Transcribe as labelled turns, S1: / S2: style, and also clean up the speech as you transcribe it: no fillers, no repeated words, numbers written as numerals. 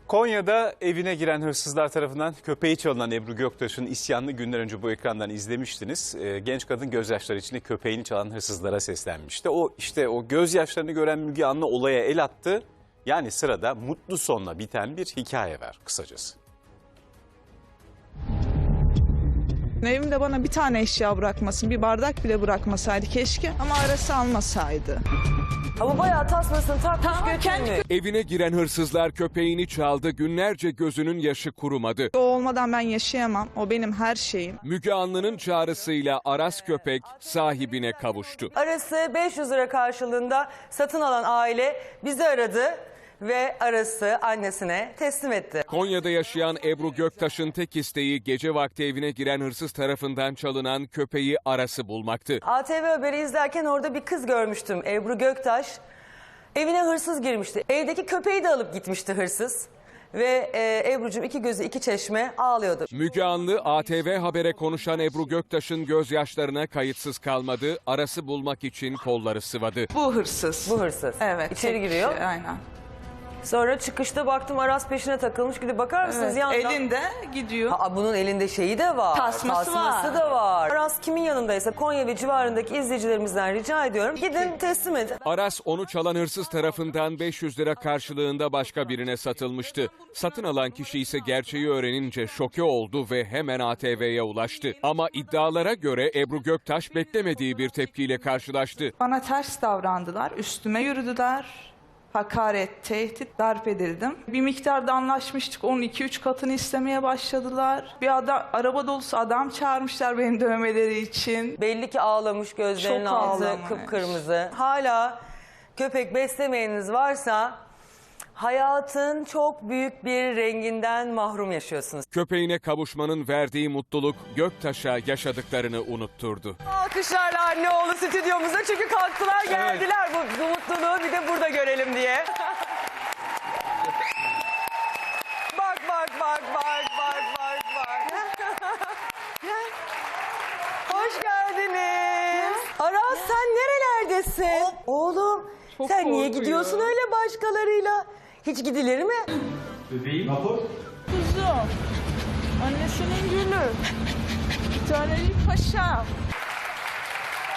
S1: Konya'da evine giren hırsızlar tarafından köpeği çalınan Ebru Göktaş'ın isyanını günler önce bu ekrandan izlemiştiniz. Genç kadın gözyaşları içinde köpeğini çalan hırsızlara seslenmişti. O gözyaşlarını gören Müge Anlı olaya el attı. Yani sırada mutlu sonla biten bir hikaye var kısacası.
S2: Evimde bana bir tane eşya bırakmasın, bir bardak bile bırakmasaydı keşke ama arası almasaydı.
S3: Ama bayağı tasmasını takmış götürmüş.
S4: Evine giren hırsızlar köpeğini çaldı, günlerce gözünün yaşı kurumadı.
S2: O olmadan ben yaşayamam, o benim her şeyim.
S4: Müge Anlı'nın çağrısıyla Aras köpek sahibine kavuştu.
S3: Arası 500 lira karşılığında satın alan aile bizi aradı ve Aras'ı annesine teslim etti.
S4: Konya'da yaşayan Ebru Göktaş'ın tek isteği gece vakti evine giren hırsız tarafından çalınan köpeği Aras'ı bulmaktı.
S3: ATV Haber'i izlerken orada bir kız görmüştüm, Ebru Göktaş. Evine hırsız girmişti. Evdeki köpeği de alıp gitmişti hırsız. Ve Ebru'cum iki gözü iki çeşme ağlıyordu.
S4: Müge Anlı ATV Haber'e konuşan Ebru Göktaş'ın gözyaşlarına kayıtsız kalmadı. Aras'ı bulmak için kolları sıvadı.
S2: Bu hırsız.
S3: Bu hırsız.
S2: Evet.
S3: İçeri giriyor.
S2: Aynen.
S3: Sonra çıkışta baktım Aras peşine takılmış. Gidip bakar mısınız
S2: Evet,
S3: yandan?
S2: elinde gidiyor.
S3: Bunun elinde şeyi de var.
S2: Tasması var.
S3: da var. Aras kimin yanındaysa Konya ve civarındaki izleyicilerimizden rica ediyorum. Gidin teslim edin.
S4: Aras onu çalan hırsız tarafından 500 lira karşılığında başka birine satılmıştı. Satın alan kişi ise gerçeği öğrenince şoke oldu ve hemen ATV'ye ulaştı. Ama iddialara göre Ebru Göktaş beklemediği bir tepkiyle karşılaştı.
S2: Bana ters davrandılar, üstüme yürüdüler. Hakaret, tehdit, darp edildim. Bir miktarda anlaşmıştık, onun 2-3 katını istemeye başladılar. Araba dolusu adam çağırmışlar benim dövmeleri için.
S3: Belli ki ağlamış, gözlerinin
S2: Çok
S3: altı
S2: ağlamış.
S3: kıpkırmızı. Hala köpek beslemeyeniniz varsa hayatın çok büyük bir renginden mahrum yaşıyorsunuz.
S4: Köpeğine kavuşmanın verdiği mutluluk Göktaş'a yaşadıklarını unutturdu.
S3: Alkışlarla anne oğlu stüdyomuza çünkü kalktılar geldiler bu mutluluğu bir de burada görelim diye. Bak. Hoş geldiniz. Aras sen nerelerdesin? Oğlum
S2: Çok
S3: sen niye
S2: korkuyor.
S3: gidiyorsun öyle başkalarıyla? Hiç gidilir mi?
S5: Bebeğim. Rapor.
S2: Kuzum, annesinin gülü. Bir tanecik paşa.